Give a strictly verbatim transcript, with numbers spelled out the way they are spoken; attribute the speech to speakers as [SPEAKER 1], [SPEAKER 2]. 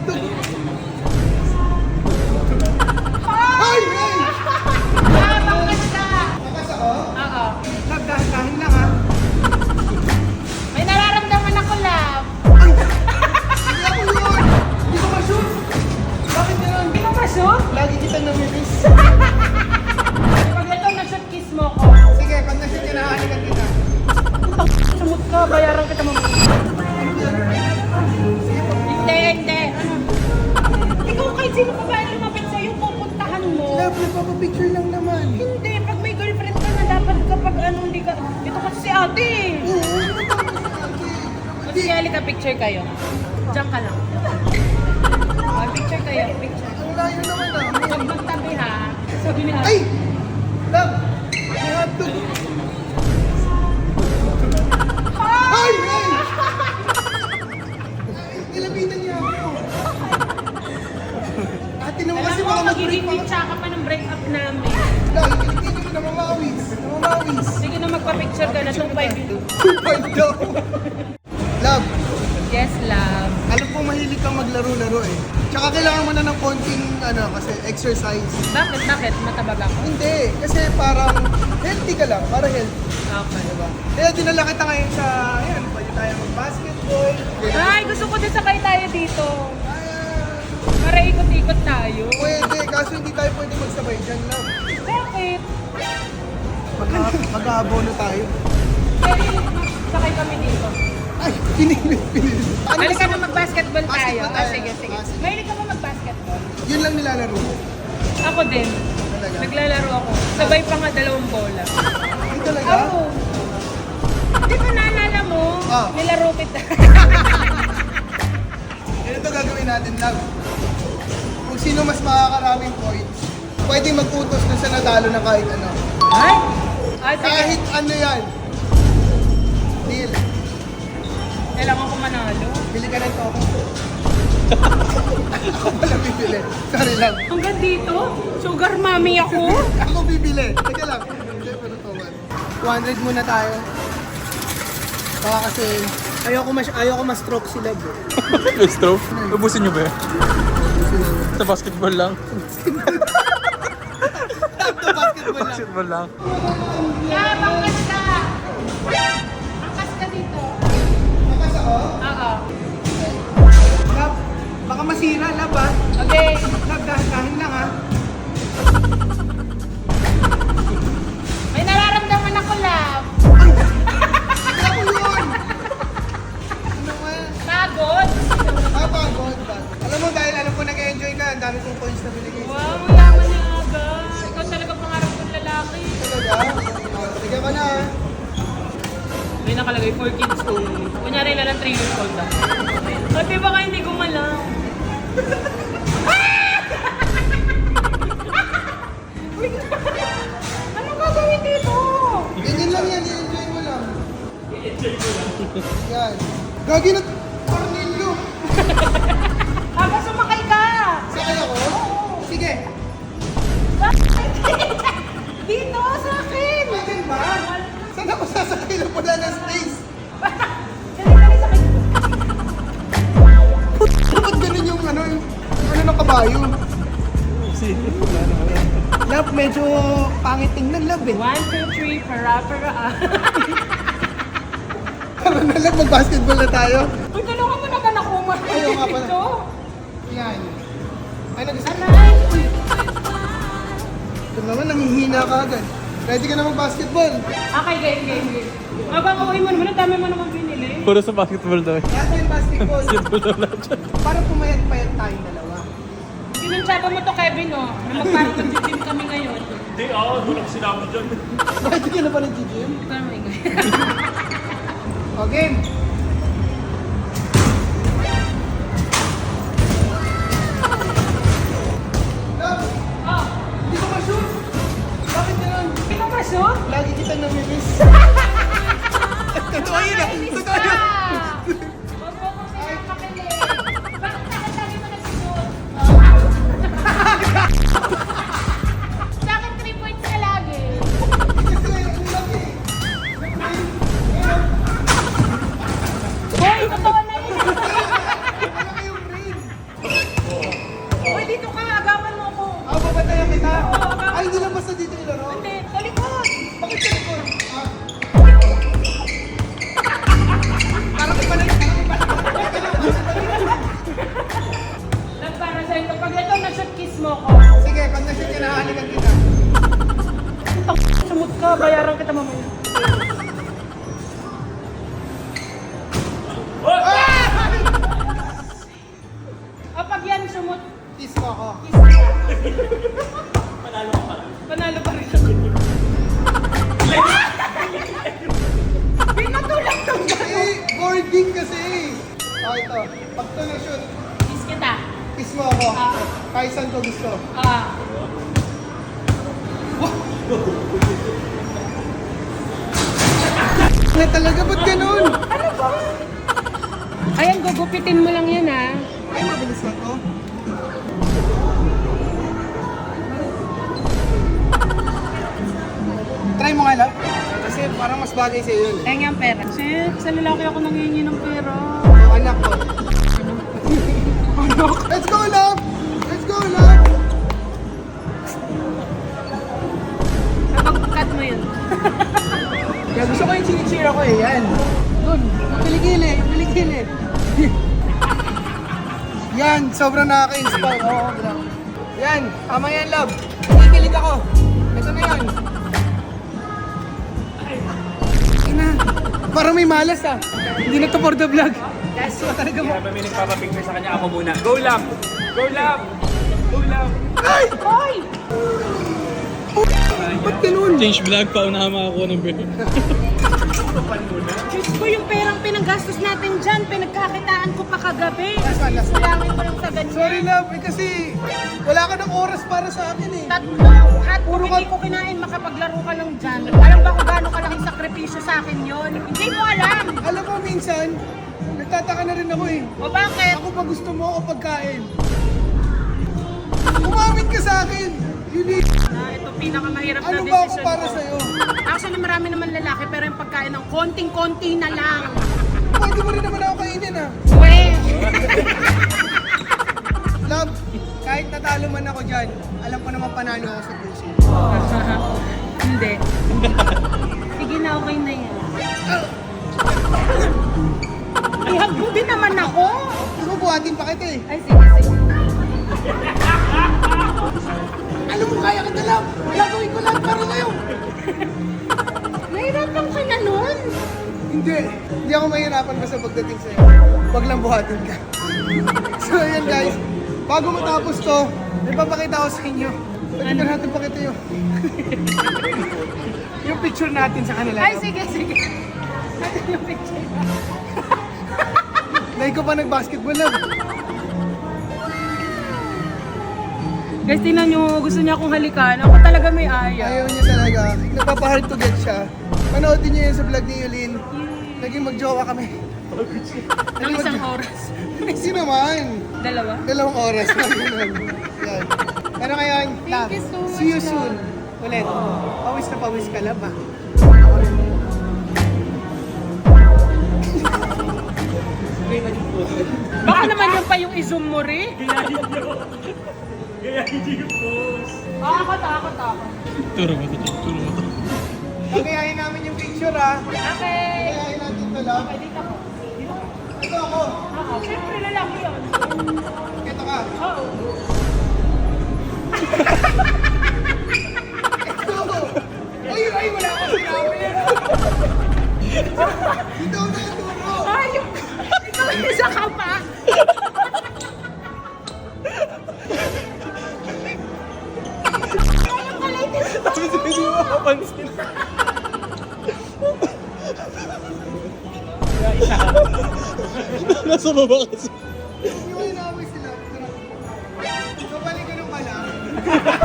[SPEAKER 1] Ay! Ay!
[SPEAKER 2] Ah, bangkas ka!
[SPEAKER 1] Nakas ako?
[SPEAKER 2] Oo.
[SPEAKER 1] Love, dahan-dahan lang ha.
[SPEAKER 2] May nararamdaman ako, love.
[SPEAKER 1] Ay! Hindi ako yun! Hindi ko ma-shoot! Bakit gano'n?
[SPEAKER 2] Hindi ka ma-shoot?
[SPEAKER 1] Lagi kitang namimiss.
[SPEAKER 2] Pag ito na-shoot, kiss mo ko.
[SPEAKER 1] Sige, pag na-shoot ka na, halikan kita.
[SPEAKER 2] Sumut ka, bayaran kita mo. Hindi, hindi. Ano? Ikaw kahit sino pa ba lumapit sa'yo, pupuntahan mo.
[SPEAKER 1] Love, nagpapapicture lang naman.
[SPEAKER 2] Hindi, pag may girlfriend ka na, dapat kapag ano, hindi ka... Dito kasi si ate.
[SPEAKER 1] Oo,
[SPEAKER 2] Kasi halika, picture kayo. Diyan ka lang. Oh, picture kayo, picture.
[SPEAKER 1] ang layo naman ah.
[SPEAKER 2] Pag magtabi ha, sabi ni ate.
[SPEAKER 1] Ay! Love! May hotdog! Ay! Ay! Nilapitan niya ako. Ate naman kasi
[SPEAKER 2] Alam mo,
[SPEAKER 1] baka
[SPEAKER 2] magiging
[SPEAKER 1] mag-break
[SPEAKER 2] picture ka pa ng break-up namin.
[SPEAKER 1] Love, kinikini ko namamawis. Namamawis.
[SPEAKER 2] Sige na magpa-picture ka na, two five yun.
[SPEAKER 1] two point daw. Love,
[SPEAKER 2] Yes, love.
[SPEAKER 1] alam ko mahilig kang maglaro-laro eh. Tsaka kailangan mo na ng konting ano, kasi exercise.
[SPEAKER 2] Bakit? Bakit? Matabag ako?
[SPEAKER 1] Hindi, kasi parang healthy ka lang, para healthy.
[SPEAKER 2] Okay.
[SPEAKER 1] Diba? Kaya dinala kita ngayon sa, ayan, pwede tayo mag-basketball.
[SPEAKER 2] Ay, gusto ko din sakay tayo dito.
[SPEAKER 1] Ayan.
[SPEAKER 2] Para ikot-ikot tayo.
[SPEAKER 1] Pwede, kaso hindi tayo pwede magsabay dyan lang.
[SPEAKER 2] Bakit?
[SPEAKER 1] Mag- mag-aabono tayo.
[SPEAKER 2] Pwede sakay kami dito.
[SPEAKER 1] Ay, pinilit, pinilit. Ano
[SPEAKER 2] Halika
[SPEAKER 1] gusto
[SPEAKER 2] na
[SPEAKER 1] mo?
[SPEAKER 2] mag-basketball tayo.
[SPEAKER 1] Basketball
[SPEAKER 2] Ah,
[SPEAKER 1] tayo.
[SPEAKER 2] sige, sige.
[SPEAKER 1] Ah, sige.
[SPEAKER 2] Mahilig ka ba mag-basketball?
[SPEAKER 1] Yun lang nilalaro ko.
[SPEAKER 2] Ako din.
[SPEAKER 1] Talaga?
[SPEAKER 2] Naglalaro ako. Sabay pa nga dalawang bola.
[SPEAKER 1] Ay, talaga?
[SPEAKER 2] Ako. Di ba naalala mo?
[SPEAKER 1] Ah.
[SPEAKER 2] Nilaro kita.
[SPEAKER 1] Ganito gagawin natin, love. Kung sino mas makakaraming points, pwede mag-utos na sa natalo na kahit ano.
[SPEAKER 2] Ay? Ah, sige.
[SPEAKER 1] Kahit ano yan. Deal.
[SPEAKER 2] Kailangan ko manalo.
[SPEAKER 1] Bili ka ng toko. Ako pala bibili. Sorry lang.
[SPEAKER 2] Hanggang dito? Sugar mommy ako?
[SPEAKER 1] Ako bibili. Teka lang. Hindi, pero towan. two hundred muna tayo. Baka kasi ayoko mas ayoko ma-stroke si Love. eh.
[SPEAKER 3] May stroke? Ubusin nyo ba yan? Sa basketball lang?
[SPEAKER 1] Ito basketball lang.
[SPEAKER 3] Basketball lang.
[SPEAKER 2] Yeah, bangkas ka! Bangkas ka dito.
[SPEAKER 1] Makas ako?
[SPEAKER 2] Oo.
[SPEAKER 1] Love, baka masira, Love ah.
[SPEAKER 2] Okay.
[SPEAKER 1] Love, dahan-dahan lang ah.
[SPEAKER 2] May nararamdaman ako, love.
[SPEAKER 1] Ay! Hindi ako yun! Ano nga?
[SPEAKER 2] Pagod.
[SPEAKER 1] Ah, pagod ba? Alam mo, dahil alam ko nag-enjoy ka, ang dami kong coins na binigay.
[SPEAKER 2] Wow, mayaman na aga. Ikaw talaga pangarap kong lalaki.
[SPEAKER 1] Talaga? Bigyan ka na ah.
[SPEAKER 2] May nakalagay four kids only. Kunyari na lang three years old na. Ate, baka hindi ko malam. Ano gagawin dito?
[SPEAKER 1] Ganyan lang yan, i-enjoy mo lang. I-enjoy mo lang? Yan. Gagi na, Cornelio!
[SPEAKER 2] Haba sumakay ka!
[SPEAKER 1] Sakay ako? Sige.
[SPEAKER 2] Dito, sa akin!
[SPEAKER 1] Akin ba? Saan ako sasakay na wala ng space?
[SPEAKER 2] Dali, dali, sakay.
[SPEAKER 1] Dapat ganun yung ano, yung ano ng kabayo. Love, medyo pangit tingnan, Love eh.
[SPEAKER 2] One, two, three, para, para, ah.
[SPEAKER 1] Tara na, Love, mag-basketball na tayo.
[SPEAKER 2] Uy, tulungan mo na ka na kumat
[SPEAKER 1] Ayaw nga pala.
[SPEAKER 2] dito.
[SPEAKER 1] Yan. Ay, nag-isip.
[SPEAKER 2] Aray!
[SPEAKER 1] Ito naman, nanghihina ka agad. Ready ka na mag-basketball?
[SPEAKER 2] Okay, game, game, game. Habang uwi mo naman, ang dami mo naman binili.
[SPEAKER 3] Puro sa basketball daw.
[SPEAKER 1] Yan yung basketball.
[SPEAKER 3] Basketball daw lahat dyan.
[SPEAKER 1] Para pumayat-payat tayong dalawa.
[SPEAKER 2] Pinansyaba mo to, Kevin, oh. Na magparang mag-gym kami ngayon.
[SPEAKER 3] Hindi, ako. Walang sinabi dyan.
[SPEAKER 1] Ready ka na ba nag-gym?
[SPEAKER 2] Oh my God.
[SPEAKER 1] O, game. Love,
[SPEAKER 2] Oh,
[SPEAKER 1] hindi ko ma-shoot. Bakit ganun?
[SPEAKER 2] hindi ka ma-shoot?
[SPEAKER 1] Lagi kitang namimiss. Totoo yun ah. Totoo yun.
[SPEAKER 2] Huwag mo kong pinapakilig. Bakit nakatali mo na shoot? Sa akin, three points ka lagi.
[SPEAKER 1] Kasi ang laki.
[SPEAKER 2] kita mamaya. Kapag yan sumot,
[SPEAKER 1] Kiss mo ako.
[SPEAKER 2] panalo pa rin. Pinatulak to dyan.
[SPEAKER 1] Eh, boarding kasi. Oh, ito. Pag ito na-shoot,
[SPEAKER 2] Kiss kita.
[SPEAKER 1] kiss mo ako.
[SPEAKER 2] Ah.
[SPEAKER 1] Kahit saan ko gusto.
[SPEAKER 2] Ah.
[SPEAKER 1] Na talaga, ba't ganun?
[SPEAKER 2] Ano ba? Ayan, gugupitin mo lang yan ah.
[SPEAKER 1] Ay, mabilis na to. Try mo nga lang. Kasi parang mas bagay sa'yo yun.
[SPEAKER 2] Ayan yung pera. Shit, sa lalaki ako nangingi ng pera.
[SPEAKER 1] Oh, anak ko. Let's go, love! Let's go, love!
[SPEAKER 2] Kapag cut mo yun.
[SPEAKER 1] Kaya gusto ko yung chinichir ako eh, yan. Doon, piligili, piligili. Yan, sobrang nakaka-inspire. Oo, bro. Yan, tama yan, love. Kikilig ako. Ito na yan. Ina, parang may malas ah. Hindi na to for the vlog. Yes, so talaga mo.
[SPEAKER 3] Kaya may nagpapapicture sa kanya, ako muna. Go Lab! Go Lab! Go Lab!
[SPEAKER 1] Ay!
[SPEAKER 2] Hoy!
[SPEAKER 1] Ba't ganun?
[SPEAKER 3] Change vlog, paunahan makakuha ng beer.
[SPEAKER 2] Diyos ko, yung perang pinanggastos natin dyan, pinagkakitaan ko pa kagabi.
[SPEAKER 1] Last one, last one.
[SPEAKER 2] Sulangin ko lang sa ganyan.
[SPEAKER 1] Sorry, love. Eh, kasi wala ka ng oras para sa akin eh.
[SPEAKER 2] Tatlo, at puro hindi ko kinain, makapaglaro ka lang dyan. Alam ba kung gaano kalaking sakripisyo sa akin yon? Hindi mo alam.
[SPEAKER 1] Alam mo, minsan, nagtataka na rin ako eh.
[SPEAKER 2] O bakit?
[SPEAKER 1] Ako pa gusto mo o pagkain? Umamin ka sa akin! Yun eh.
[SPEAKER 2] Ah, ito pinakamahirap na
[SPEAKER 1] Ano
[SPEAKER 2] desisyon
[SPEAKER 1] ba ako para
[SPEAKER 2] ko.
[SPEAKER 1] sa'yo?
[SPEAKER 2] Actually, marami naman lalaki, pero yung pagkain ng konting-konti na lang.
[SPEAKER 1] Pwede mo rin naman ako kainin ah.
[SPEAKER 2] Weh!
[SPEAKER 1] Love, kahit natalo man ako dyan, alam ko naman panalo ako sa puso.
[SPEAKER 2] Hindi. Sige na, okay na yan. Ihag mo din naman ako.
[SPEAKER 1] Gusto mo buhatin pa kita eh.
[SPEAKER 2] Ay, sige, sige.
[SPEAKER 1] Alam mo, kaya kita, love. Gagawin ko lahat para sa'yo.
[SPEAKER 2] Nahirapan ka na nun.
[SPEAKER 1] Hindi. Hindi ako mahirapan basta pagdating sa'yo. Wag lang buhatin ka. So, ayan guys. Bago matapos to, may papakita ko sa inyo. Pwede ba natin pakita yung... yung picture natin sa kanila.
[SPEAKER 2] Ay, sige, sige. Ano yung picture?
[SPEAKER 1] Like ko pa nag-basketball lang.
[SPEAKER 2] Guys, tingnan nyo, gusto niya akong halikan. Ako talaga may ayaw.
[SPEAKER 1] Ayaw niya talaga. Napapahard to get siya. Panoodin niyo yun sa vlog ni Yulin. Naging magjowa kami.
[SPEAKER 2] Nang isang oras.
[SPEAKER 1] Hindi naman.
[SPEAKER 2] Dalawa?
[SPEAKER 1] Dalawang oras lang yun. Yan. Pero ngayon, love,
[SPEAKER 2] you so much,
[SPEAKER 1] see you
[SPEAKER 2] love.
[SPEAKER 1] soon. Ulit. Pawis na pawis ka, love, ah.
[SPEAKER 2] Baka naman yung pa yung i-zoom mo rin.
[SPEAKER 3] Gayahin niyo! Gayahin niyo yung boss!
[SPEAKER 2] Ah, ako to, ako to, ako.
[SPEAKER 3] Turo mo to, turo mo to.
[SPEAKER 1] Pagayahin namin yung picture, ah.
[SPEAKER 2] Okay.
[SPEAKER 1] Pagayahin natin to, love.
[SPEAKER 2] Okay, dito ako.
[SPEAKER 1] Ito ako.
[SPEAKER 2] Oo, syempre lalaki yun.
[SPEAKER 1] Ito ka.
[SPEAKER 2] Oo.
[SPEAKER 1] Ito. Ay, ay, wala akong sinabi. Dito ako nakaturo.
[SPEAKER 2] Ay, yung... Ikaw isa ka pa. Ayun ka latest.
[SPEAKER 3] Tapos hindi mo makapansin. Nasa baba kasi.
[SPEAKER 1] Yung inaaway sila. So, balik ko nung pala.